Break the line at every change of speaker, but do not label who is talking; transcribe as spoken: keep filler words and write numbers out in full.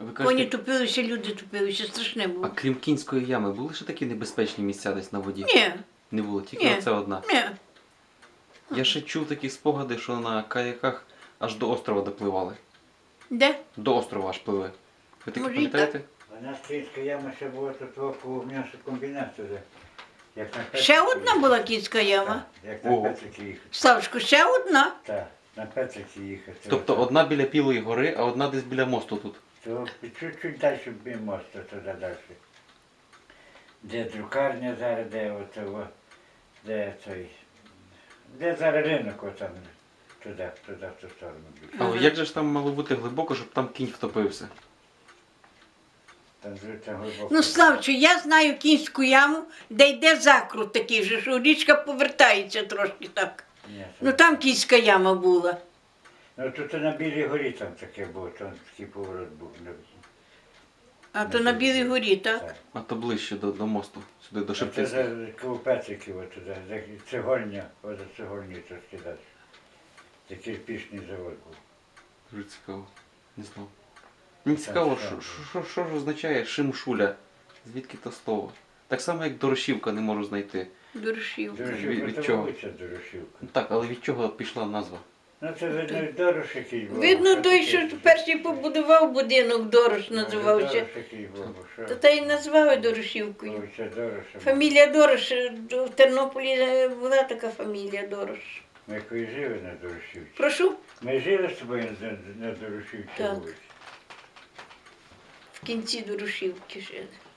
Ви
Коні
кажете,
топилися, люди топилися, страшне
а
було.
крім Кінської ями, були ще такі небезпечні місця десь на воді?
Ні,
Не було, тільки
ні,
оце одна.
ні.
Я ще чув такі спогади, що на каяках аж до острова допливали.
Де?
До острова аж пливли. Ви таке
Може, і
пам'ятаєте?
У нас київська яма ще була тут около м'ясокомбінату. Як на Петрики.
Ще одна була кінська яма.
Так, як на
Ого.
Петрики їхати.
Славчику, ще одна.
Так, на Петрики їхати.
Тобто одна біля Білої гори, а одна десь біля мосту тут.
То чуть-чуть далі від мосту, туди далі. Де друкарня зараз, де оце, де той, де зараз ринок отам, туди, туди, в ту сторону більше.
Але як же ж там мало бути глибоко, щоб там кінь втопився?
Там звідти глибоко.
Ну, Славчу, я знаю кінську яму, де йде закрут такий же, що річка повертається трошки так.
Ні, це-
Ну там кінська яма була.
Ну тут на Білій горі там таке було, там такий поворот був.
А то на Білій горі, так?
Так.
А то ближче до, до мосту, сюди до
Це
Шептицьких.
за коло Петриків отуди, де цегольня, ось цегольні трошки далі. Це кирпічний завод був.
Дуже цікаво. Не знав. Мені цікаво, що, що, що ж означає шимшуля? Звідки то слово? Так само, як дорошівка не можу знайти.
Дорошівка.
Від-
Дорошівка,
від
це
чого?
вулиця Дорошівка.
Ну так, але від чого пішла назва?
Ну це видно Дорош який був.
Видно,
Що
той,
таке?
що перший побудував будинок, Дорош
Може,
називався.
Дорош який був, що?
Та та й назвали Дорошівкою.
Вулиця Дороша.
Фамілія Дорош, е, в Тернополі е, була така фамілія Дорош.
Ми якої жили на Дорошівці.
Прошу,
Ми жили з тобою на, на Дорошівці
Так.
вулиці.
в кінці Дорошівки жили.